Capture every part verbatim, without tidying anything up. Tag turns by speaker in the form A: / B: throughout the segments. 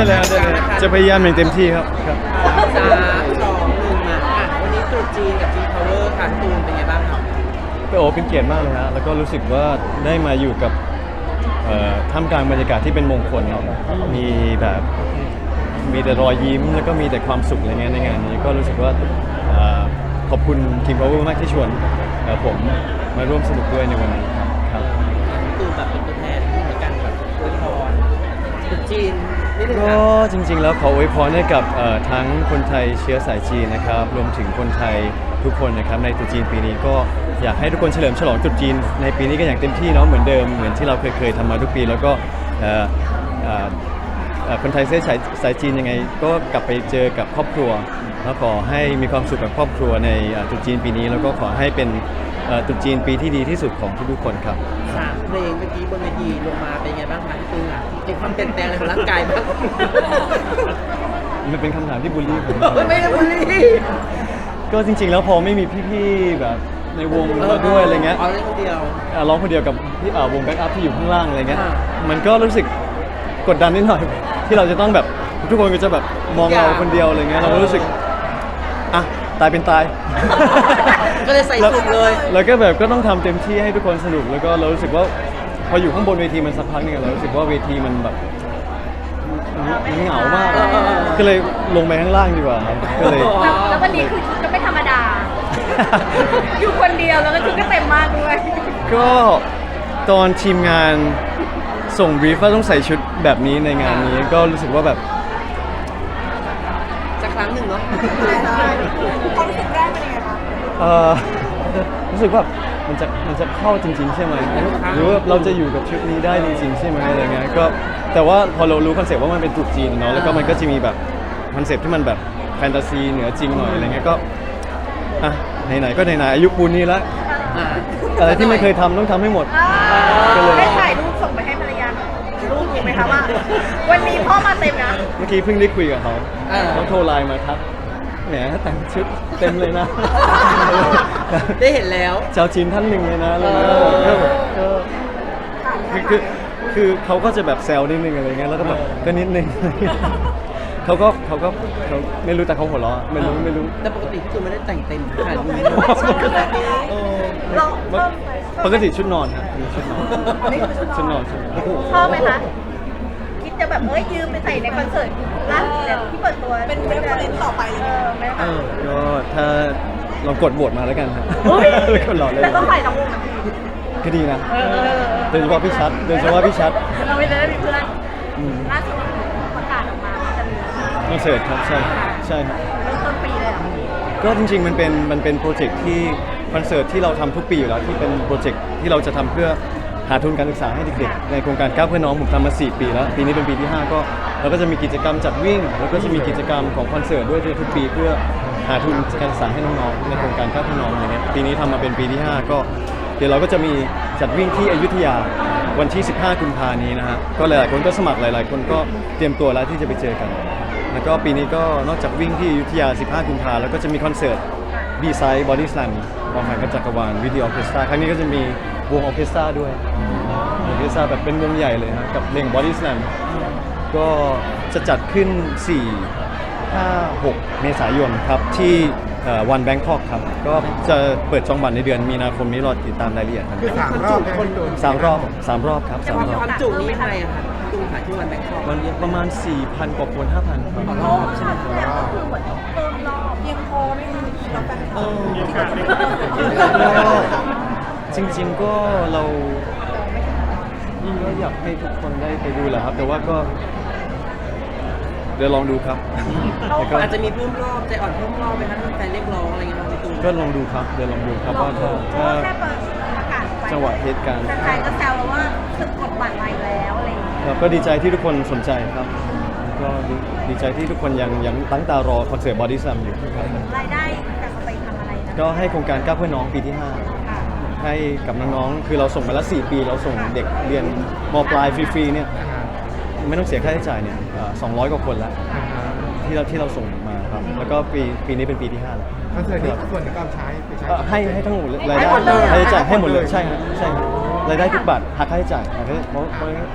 A: เลยครับได้เลยจะพยายามอย่างเต็มที่ครับครับ
B: สามสองหนึ่งมาอ่ะวันนี้ตรุษจีนกับจีนพาวเวอร์ค่ะตูนเป็นไงบ้างครับ
A: โอ้เป็นเกียรติมากเลยฮะแล้วก็รู้สึกว่าได้มาอยู่กับเอ่อท่ามกลางบรรยากาศที่เป็นมงคลเนาะมีแบบมีแต่รอยยิ้มแล้วก็มีแต่ความสุขอะไรเงี้ยในงานนี้ก็รู้สึกว่าเอ่อขอบคุณ King Power มากที่ชวนเอ่อผมมาร่วมสนุกด้วยในวันนี้ครับครับ
B: ตูนแบบเป็นตัวแทนในการแบบอวยพรตรุษจีนนิดนึง
A: ก็
B: ค่ะ
A: จริงๆแล้วขออวยพรให้กับเอ่อทั้งคนไทยเชื้อสายจีนนะครับรวมถึงคนไทยทุกคนนะครับในตรุษจีนปีนี้ก็อยากให้ทุกคนเฉลิมฉลองตรุษจีนในปีนี้กันอย่างเต็มที่เนาะเหมือนเดิมเหมือนที่เราเคยเคยทำมาทุกปีแล้วก็เอ่อเอ่อเอ่อคนไทยเชื้อสายสายจีนยังไงก็กลับไปเจอกับครอบครัวแล้วขอให้มีความสุขกับครอบครัวในเอ่อตรุษจีนปีนี้แล้วก็ขอให้เป็นเอ่อตรุษจีนปีที่ดีที่สุดของทุกๆคนครับ
B: สามเพลงเมื่อกี้บนเวทีลงมาเป็นไงบ้างคะพี่ตูนอ่ะเห็นความเปลี่ยนแปลงในของร่างกายบ้าง
A: มันเป็นคำถามที่บูลลี่ผม
B: ไม่ได้บูลลี่
A: ก็จริงๆ แล้วพอไม่มีพี่ๆ แบบในวงมาด้วยอะไรเงี้ย
B: อ๋อเล่นคนเดียว
A: อ่ะร้องคนเดียวกับพี่อ่าวงแบ็กอัพที่อยู่ข้างล่างอะไรเงี้ย
B: อ่า
A: มันก็รู้สึกกดดันนิดหน่อย ที่เราจะต้องแบบทุกคนก็จะแบบมองเราคนเดียวอะไรเงี้ยเราก็รู้สึกอ่ะตายเป็นตาย
B: ก็เลยใส่สุดเลย
A: แล้วก็แบบก็ต้องทำเต็มที่ให้ทุกคนสนุกแล้วก็เรารู้สึกว่าพออยู่ข้างบนเวทีมันสักพักหนึงอะเรารู้สึกว่าเวทีมันแบบมันเหงามากอะก็เลยลงไปข้างล่างดีกว่าครับก็เลย
C: แล้วแล้ววันนี้คือชุดก็ไม่ธรรมดา อยู่คนเดียวแล้วก็ชุดก็เต็มมากด้วย
A: ก็ตอนทีมงานส่งบรีฟว่าต้องใส่ชุดแบบนี้ในงานนี้ก็รู้สึกว่าแบบ
B: สักครั้งหนึ่งเนาะ
C: ความรู้สึกแรกเป็นยังไงคะ
A: เออรู้สึกว่ามันจะมันจะเข้าจริง ๆ ใช่ไหมหรือว่าเราจะอยู่กับชุดนี้ได้จริง ๆ ใช่ไหมอะไรเงี้ยก็แต่ว่าพอเรารู้คอนเซปต์ว่ามันเป็นตรุษจีนเนาะแล้วก็มันก็จะมีแบบคอนเซปต์ที่มันแบบแฟนตาซีเหนือจริงหน่อยอะไรเงี้ยก็อ่ะไหนๆก็ไหนๆอายุปูนนี้แล้ว
B: อ่า
A: อะไรที่ไม่เคยทำต้องทำให้หมด ก็เลย
C: ได้ถ่ายรูปส่งไปให้ภรรยารูปถูกไหมคะว่า วันนี้พ่อมาเต็มนะ
A: เมื่อกี้เพิ่งได้คุยกับเขา
B: เออ
A: เขาโทรไลน์มาทักแหมแต่งชุดเต็มเลยนะ
B: ได้เห็นแล้ว
A: ชาวจีนท่านหนึ่งเลยนะอะไรเงี้ย
B: เออ
A: ก็แบบก็คือคือคือเขาก็จะแบบแซวนิดนึงอะไรเงี้ยแล้วก็แบบก็นิดนึง เขาก็เขาก็เขาไม่รู้แต่เขาหัวเราะไม่รู้ไม่รู้
B: แต่ปกติพี่ตูนไม่ได้แต่งเต็มขนาดนี้เออ
C: เราเพิ่มไป
A: ปกติชุดนอนครับมีชุดนอน
C: อันนี้คือชุดน
A: ชุดน
C: อ
A: อน นชุดนอน
C: ชอบไหมคะ คิดจะแบบเอ้ยยืมไปใส่ในคอนเสิร์ตล่าสุดเนี่ยที่เปิดตัวเป็นเรฟเฟอเรนซ์ต่อไปเลยเออไหม
B: เอ
C: คะ
B: อ
A: ก็ถ้าลองกดโหวตมาแล้วกันครับ
C: อุ๊ย
A: แล้วก็รอเลย
C: แต่ต้องใส่ทั้งวงนะ
A: ก็ดีนะ
C: เออเออเออ
A: โดยเฉพาะพี่ชัดโดยเฉพาะพี่ชัด
C: เราไม่ได้มีเพื่อน
A: อืม
C: ล่าสุดประกาศออกมาว่าจะมี
A: คอนเสิร์ตครับใช่ใช่ครับ
C: เริ่มต้นปีเลยเหรอ
A: ก็จริงๆมันเป็นมันเป็นโปรเจกต์ที่คอนเสิร์ตที่เราทำทุกปีอยู่แล้วที่เป็นโปรเจกต์ที่เราจะทำเพื่อหาทุนการศึกษาให้เด็กๆในโครงการก้าวเพื่อน้องผมทำมาสี่ปีแล้วปีนี้เป็นปีที่ห้าก็เราก็จะมีกิจกรรมจัดวิ่งแล้วก็จะมีกิจกรรมของคอนเสิร์ตด้วยทุกปีเพื่อหาทุนการศึกษาให้น้องๆในโครงการก้าวเพื่อน้องอย่างเงี้ยปีนี้ทำมาเป็นปีที่ห้าก็เดี๋ยวเราก็จะมีจัดวิ่งที่อยุธยาวันที่สิบห้ากุมภานี้นะฮะก็หลายๆคนก็สมัครหลายๆ คนก็เตรียมตัวแล้วที่จะไปเจอกัน แล้วก็ปีนี้ก็นอกจากวิ่งที่อยุธยาสิบห้ากุมภาแล้วก็จะมีคอนเสิร์ต B-Side Body Slam ความหมายกับจักรวาลวิดีโอออร์เคสตราครั้งนี้ก็จะมีวงออร์เคสตราด้วยออร์เคสตราแบบเป็นวงใหญ่เลยฮะกับเพลง Body Slam ก็จะจัดขึ้น สี่ ห้า หก เมษายนครับที่วันแบงคอกครับก็จะเปิดจองบัตรในเดือนมีนาคมนี้รอติดตามรายละเอียดกัน
D: คือสามรอบใช่ไหมพี่ตูน
A: สามรอบสามรอบครับ
B: แต่
A: สาม
B: ความ
A: รอบ
B: ความจุนี้ยังไงอะคะพี่ตูนค่ะที่วันแบงคอก
A: มันประมาณ สี่พัน กว่าคน ห้าพัน ครับ
B: ต่อรอบใช่ไหม
C: แต่ก็คือเหมือนเติมรอบเพียงพอไหมคะเราแฟนคลับ
A: ก็จริงๆก็เราก็อยากให้ทุกคนได้ไปดูแหละครับ แต่ว่าก็ เดี๋ยวลองดูครับแล้วก็
B: อาจจะมีเพิ่มรอบใจอ่อนเพิ่มรอบไหมคะถ้าแฟนเรียกร้องอะไรเงี้ยพี่ตูน
A: ก็ลองดูครับ เดี๋ยวลองดูครับว่าถ้าถ้า
C: แค่เปิดประกาศไป
A: จังหวะเหตุการณ์
C: แฟนๆก็แซวว่าสึกกดบัตรใหม่แล้วอะไรอย่างเงี้ย
A: เราก็ดีใจที่ทุกคนสนใจครับก็ดีดีใจที่ทุกคนยังยังตั้งตารอคอนเสิร์ตบอดี้ซัมอยู่ครับ
C: รายได้จะเอาไปทำอะไรนะ
A: ก็ให้โครงการก้าวเพื่อน้องปีที่ห้า
C: ค่ะ
A: ให้กับน้องๆ คือเราส่งมาแล้วสี่ปี เราส่งเด็กเรียนมปลายฟรีๆ เนี่ย ไม่ต้องเสียค่าใช้จ่ายเนี่ยสองร้อยกว่าคนแล้วที่เราที่เราส่งมาครับ แล้วก็ปีปีนี้เป็นปีที่ห้าแล้ว
D: คอนเสิร์ตนี้ส่วนหนึ่งก็เอาใช้ไปใช้
A: เอ่อให้ให้ทั้งหมดเลยรายได้รายจ่ายให้หมดเลย ใช่ครับใช่ครับรายได้ทุกบาทหักค่าใช้จ่ายหักค่าใช้เพราะเพราะ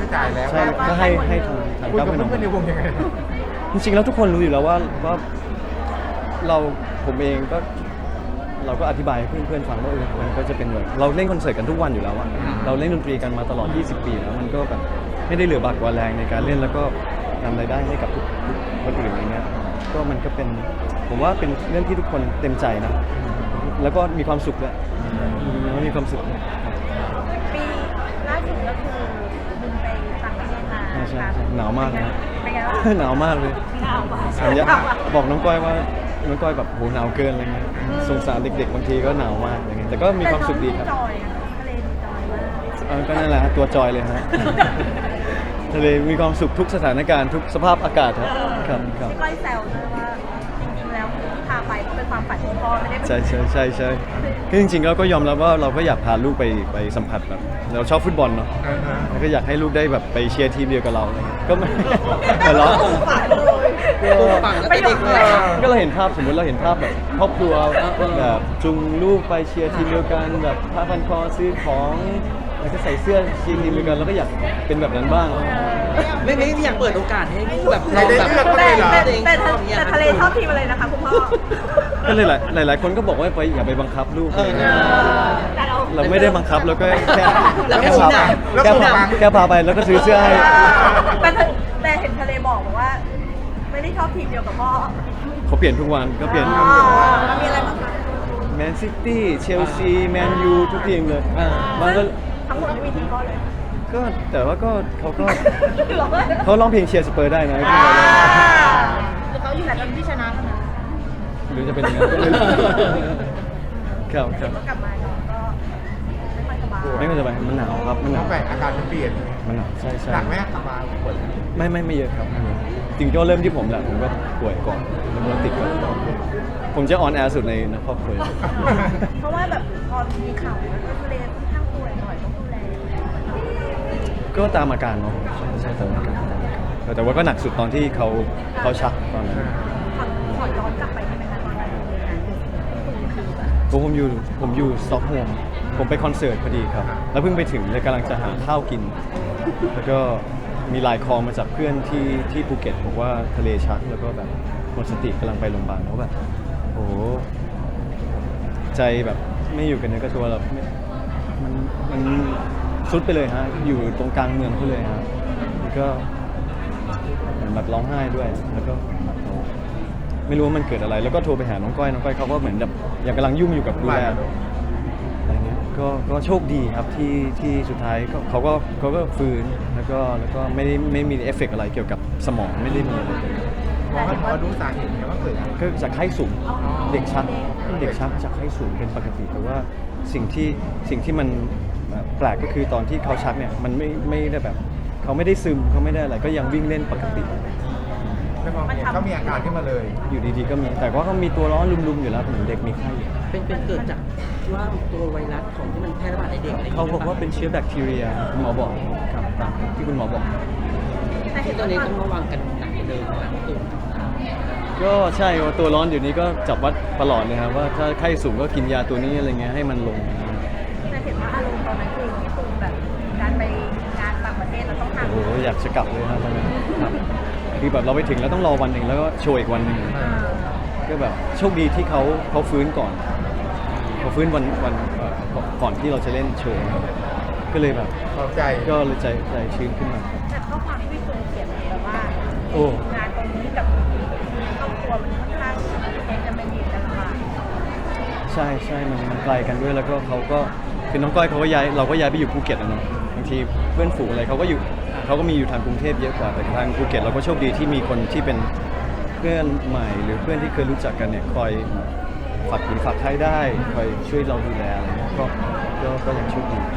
D: ไม่จ่ายแล้ว
A: ใช่ก็ให้ให้ทางทาง
D: คุย
A: ก้าว
D: กับ
A: เพื่อนน้อง
D: เพื่อนๆในวงยังไง
A: จริงๆแล้วทุกคนรู้อยู่แล้วว่าว่าเราผมเองก็เราก็อธิบายให้เพื่อนๆฟังว่าเออมันก็จะเป็นแบบเราเล่นคอนเสิร์ตกันทุกวันอยู่แล้วอะเราเล่นดนตรีกันมาตลอดยี่สิบปีแล้วมันก็แบบไม่ได้เหลือบากกว่าแรงในการเล่นแล้วก็ทำรายได้ให้กับทุกๆคนอื่นอะไรเงี้ยก็มันก็เป็นผมว่าเป็นเรื่องที่ทุกคนเต็มใจนะแล้วก็มีความสุขด้วยแล้วมีความสุขด้วย
C: ปีล่าสุดก็คือบินไปต่างประเทศมา
A: ใช่ใช่ใช่หนาวมากนะ
C: เป็นไงบ้าง
A: หนาวมากเลย
C: หนาวมาก
A: ผมอยากบอกน้องก้อยว่าน้องก้อยแบบโหหนาวเกินอะไรเงี้ยสงสารเด็กๆบางทีก็หนาวมากอะไรเงี้ยแต่ก็มีความสุขดีครับ
C: แต่น้องจอยอะทะเลดีจอยมาก
A: เออก็นั่นแหละฮะตัวจอยเลยฮะ ทะเลมีความสุขทุกสถานการณ์ทุกสภาพอากาศครับครับครับ
C: พี่ก้อยแซวด้วยว่าจริงๆแล้วที่พาไปก็เป็นความฝันของพ่อไม่ได้เป็น
A: ใช่ใช่ใช่ใช่คือจริงๆเราก็ยอมรับว่าเราก็อยากพาลูกไปไปสัมผัสแบบเราชอบฟุตบอลเนาะ
D: อ่าฮะ
A: แล้วก็อยากให้ลูกได้แบบไปเชียร์ทีมเดียวกับเราอะไรเงี้ยก็ไม่ แต่เรา
C: ฝันเลย
B: ปลูกฝังตั้งแต่เด็กเลยอะ
A: ก็เราเห็นภาพสมมติเราเห็นภาพแบบครอบครัวแบบจูงลูกไปเชียร์ทีมเดียวกันแบบผ้าพันคอซื้อของแล้วก็ใส่เสื้อเชียร์ทีมเดียวกันแล้วก็อยากเป็นแบบนั้นบ้าง
B: ไม่ไม่อยากเปิดโอกาสให้ลูกแบบ
D: ไม่ได้เลือก
C: แต่
D: เหรอ
C: แต่แต่แต่ทะเลชอบทีมอะไรนะคะคุณพ่อ
A: ก็เลยหลายหลายๆคนก็บอกว่าไปอย่าไปบังคับลูก
B: เออ
C: แต่เรา
A: เราไม่ได้บังคับเราก็แค่
B: เราแค่
A: แค่
B: ชี้
A: พา
B: หน้า
A: แค่พาแค่พาไปแล้วก็ซื้อเสื้อให้
C: แต่แต่เห็นทะเลบอกบอกว่า ไม่ได้ชอบทีมเดียวกับพ่อ
A: เขาเปลี่ยนทุกวันก็เปลี่ยน
C: อ๋อมันมีอะไรบ้างคะ
A: แมนซิตี้เชลซีแมนยูทุกทีมเลย
B: อ่า
A: บางก็
C: ทั้งหมดไม่มีทีมพ่อเลย
A: ก็แต่ว่าก็เขาก็
C: หรอ
A: เขาร้องเพลงเชียร์สเปอร์ได้นะ
C: หรือเขาอยู่ไหนตอนที่ชนะกันนะ
A: หรือจะเป็นอย่างนั้นก็ไม่รู้ครับครับ
C: ก็กลับมาน้องก็ไม่ค่อยสบาย
A: ไม่เป็นไรมันหนาวครับมันห
D: แล้
A: นาว ว
D: แปลกอากาศมันเปลี่ยน
A: มันหนาวใช่ใช่
D: หนักไหมอะสบายปวด
A: ไม่ไม่ไม่เยอะครับไม่เยอะจริงก็เริ่มที่ผมแหละผมก็ป่วยก่อนแล้วก็ติดก่อนผมจะออนแอร์สุดในในครอบครัว
C: เพราะว่าแบบพอมีข่าวว่าทะเลค่อนข้างป่วยหน่อยต้องดูแล
A: ก็ตามอาการเนาะใช่ใช่ตามอาการตามอาการแต่ว่าก็หนักสุดตอนที่เขาเขาชักตอนนั้น
C: ขอขอย้อนกลับไปได้ไหมคะตอนนั้นมีงานอยู่ที่คือแบบ
A: ผมอยู่ผมอยู่สต็อกโฮล์มผมไปคอนเสิร์ตพอดีครับ แล้วเพิ่งไปถึงเลยกำลังจะหาข้าวกิน แล้วก็มีไลน์คอลมาจากเพื่อนที่ที่ภูเก็ตบอกว่าทะเลชักแล้วก็แบบหมดสติกำลังไปโรงพยาบาลแล้วแบบโอ้โหใจแบบไม่อยู่กันเนื้อกับตัวแบบไม่มันมันสุดไปเลยฮะอยู่ตรงกลางเมืองเขาเลยฮะแล้วก็เหมือนแบบร้องไห้ด้วย แล้วก็ไม่รู้ว่ามันเกิดอะไร แล้วก็โทรไปหาน้องก้อยน้องก้อยเขาก็เหมือนแบบยังกำลังยุ่งอยู่กับดูแลอะไรเงี้ยก็ก็โชคดีครับที่ที่สุดท้ายก็เขาก็เขาก็ฟื้นแล้วก็แล้วก็ไม่ได้ไม่มีเอฟเฟกต์อะไรเกี่ยวกับสมองไม่ได้มีอะไรเลย
D: พอให้พอรู้สาเหตุเนี่ยว่าเกิดอะไร
A: ก็จากไข้สูงเด็กชักเด็กชักจากไข้สูงเป็นปกติแต่ว่าสิ่งที่สิ่งที่มันแปลกก็คือตอนที่เขาชักเนี่ยมันไม่ไม่ได้แบบเขาไม่ได้ซึมเขาไม่ได้อะไรก็ยังวิ่งเล่นปกติ
D: ไม่มองเนี่ยเขามีอาการขึ้นมาเลย
A: อยู่ดีๆก็มีแต่ว่าเขามีตัวร้อนลุมๆอยู่แล้วเหมือนเด็กมีไข้อยู่
B: เป็นเป็นเกิดจากว่าตัวไวรัสของที่มันแพร่ระบาดในเด็กอะไรอย่าง
A: เขา
B: เงี้ย
A: บอกว่าเป็นเชื้อแบคทีเรียคุณหมอบอกครับตามที่คุณหมอบอก
C: แต่เห็
B: ที่
C: น
B: ตอนนี้
C: ว่า
B: ต้องระวังกันหนักกว่าเดิมนะครับพี่ตูน
A: ก็ใช่ว่าตัวร้อนอยู่นี้ก็จับวัดตลอดเลยครับว่าถ้าไข้สูงก็กินยาตัวนี้อะไรเงี้ยให้มันลง
C: แต่เห็นว่าอารมณ์ตอนนั้นคือพี่ตูนแบบการไปงานต่างประเทศเราต้องทำ
A: โอ้โหอยากจะกลับเลยครับตอนนั้นครับคือแบบเราไปถึงแล้วต้องรอวันหนึ่งแล้วก็โชว์อีกวันหนึ่งก็แบบโชคดีที่เขาเขาฟื้นก่อนเขาฟื้นวันวันเอ่อก่อนก่อนที่เราจะเล่นโชว์ก็เลยแบบ
D: ขอบใจ
A: ก็เลยใจใจชื้นขึ้นมาครับ
C: แต่ข้อความที่พี่ตูนเขียนแบบว่า
A: โอ้
C: งานตรงนี้กับครอบครัวมันค่อนข้างจะไม่มีกันลำบาก
A: ใช่ใช่มันมันไกลกันด้วยแล้วก็เขาก็คือน้องก้อยเขาก็ย้ายเราก็ย้ายไปอยู่ภูเก็ตนะเนาะบางทีเพื่อนฝูงอะไรเขาก็อยู่เขาก็มีอยู่ทางกรุงเทพเยอะกว่าแต่ทางภูเก็ตเราก็โชคดีที่มีคนที่เป็นเพื่อนใหม่หรือเพื่อนที่เคยรู้จักกันเนี่ยคอยฝากผีฝากไข้ได้คอยช่วยเราดูแลอะไรเงี้ยก็ก็ก็ยังโชคดี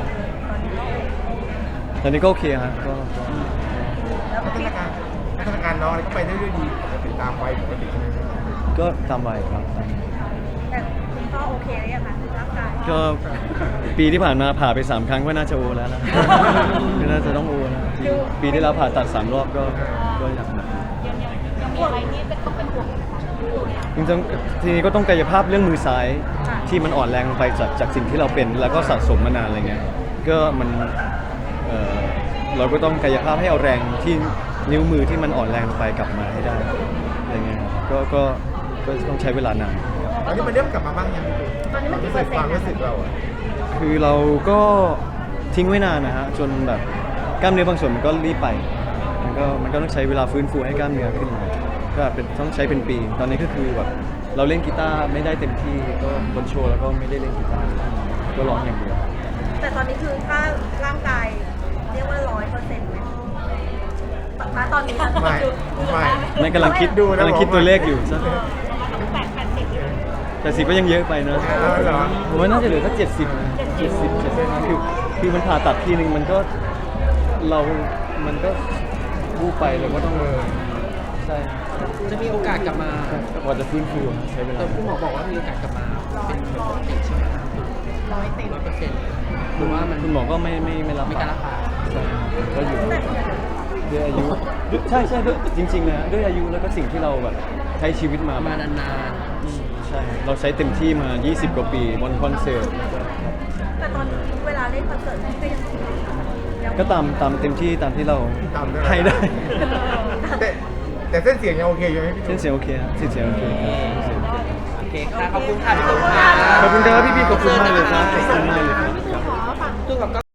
A: ตอนนี้ก็โอเคฮะก็ก็
C: แล้ว
D: พัฒ
C: พี่
D: นาการพัฒนาการน้องอะไรก็ไปได้ด้วยดีปกติตามวัยปกติใช่ไหม
A: ก็ตามวัยครับตามวัย
C: แต่คุณพ่อโอเคหรือยังคะร่างกาย
A: ก็ปีที่ผ่านมาผ่าไปสามครั้งก็น่าจะโอแล้วนะก็น่าจะต้องโอแล้วปีที่แล้วผ่าตัดสามรอบก็ก็อยากหนัก
C: ยังยังมีอะไรที่เป็นต้องเป็นห่วงไหมคะ
A: จริงๆทีนี้ก็ต้องกายภาพเรื่องมือซ้ายที่มันอ่อนแรงลงไปจากจากสิ่งที่เราเป็นแล้วก็สะสมมานานอะไรเงี้ยก็มันเอ่อเราก็ต้องกายภาพให้เอาแรงที่นิ้วมือที่มันอ่อนแรงลงไปกลับมาให้ได้อะไรเงี้ยก็ก็ก็ต้องใช้เวลานาน
D: ตอนนี้มันเริ่มกลับมาบ้างยังพี่ตูน
C: ตอนนี้มันกี่
D: รู้
C: เปอ
D: สึก
C: ร์เซ็นต์
D: ความรู้สึกเราอะ
A: คือเราก็ทิ้งไว้นานนะฮะจนแบบกล้ามเนื้อบางส่วนมันก็รีบไปมันก็มันก็ต้องใช้เวลาฟื้นฟูให้กล้ามเนื้อขึ้นมาก็เป็นต้องใช้เป็นปี ตอนนี้ก็คือแบบเราเล่นกีตาร์ไม่ได้เต็มที่ก็บนโชว์แล้วก็ไม่ได้เล่นกีตาร์ก็ร้องอย่างเดียว
C: แต่ตอนนี้คือถ้าร่างกายเรียกว่าร้อยเปอร์เซ็นต์ไหมณตอนนี้นะ
D: ไม่ไม่
A: ไม่กำลังคิด
D: ดูนะ
A: กำลังคิด
D: ผม
A: ตัวเลขอยู่สัก
C: แปดแปดสิบ
A: แต่สิบก็ยังเยอะไปนะ
D: เออเหรอ
A: ผมว่าน่าจะเหลือสักเจ็ดสิบเจ็ดสิบเจ็ดสิบคือคือมันผ่าตัดทีนึงมันก็เรา มันก็วูบไปเราก็ต้อง
D: เออ
A: ใช่
B: จะมีโอกาสกลับมา
A: กว่าจะฟื้นฟูอะใช้เวลา
B: แต่คุณหมอบอกว่ามีโอกาสกลับมาเป็นปกติใช่ไหมครับ
C: ร้อยติด
B: ร้อยเปอร์เซ็นต์หรือว่ามัน
A: คุณหมอก็ไม่ไม่ไม่รับ
B: ไม่กล้ารับปาก
A: ใช่ก็อยู่ด้วยอายุด้วยใช่ใช่ด้วยจริงๆเลยฮะด้วยอายุแล้วก็สิ่งที่เราแบบใช้ชีวิตมา
B: มานาน
A: อืมใช่ เราใช้เต็มที่มา ยี่สิบ กว่าปีบนคอนเสิร์ต
C: แต่ตอนนี้เวลาเล่นคอนเสิร์ตก็ยังยัง
A: ก็ตามตามเต็มที่ตามที่เรา
D: ตามได้
A: ให้ได้
D: แต่แต่เส้นเสียงยังโอเคอยู่ไหมพี่ตู
A: เส้น
D: น
A: เสียงโอเคครับเส้นเสียงโอเคครับเส้นเสียงโอเค
B: ๆโอเคค่ะขอบคุณค่ะพี่ตุ้มค่ะ
A: ขอบคุณครับพี่ๆขอบคุณมากเลยครับขอบคุณมากเลยครับ
C: พี่ตูนขอฝาก
B: ตุ้มกับ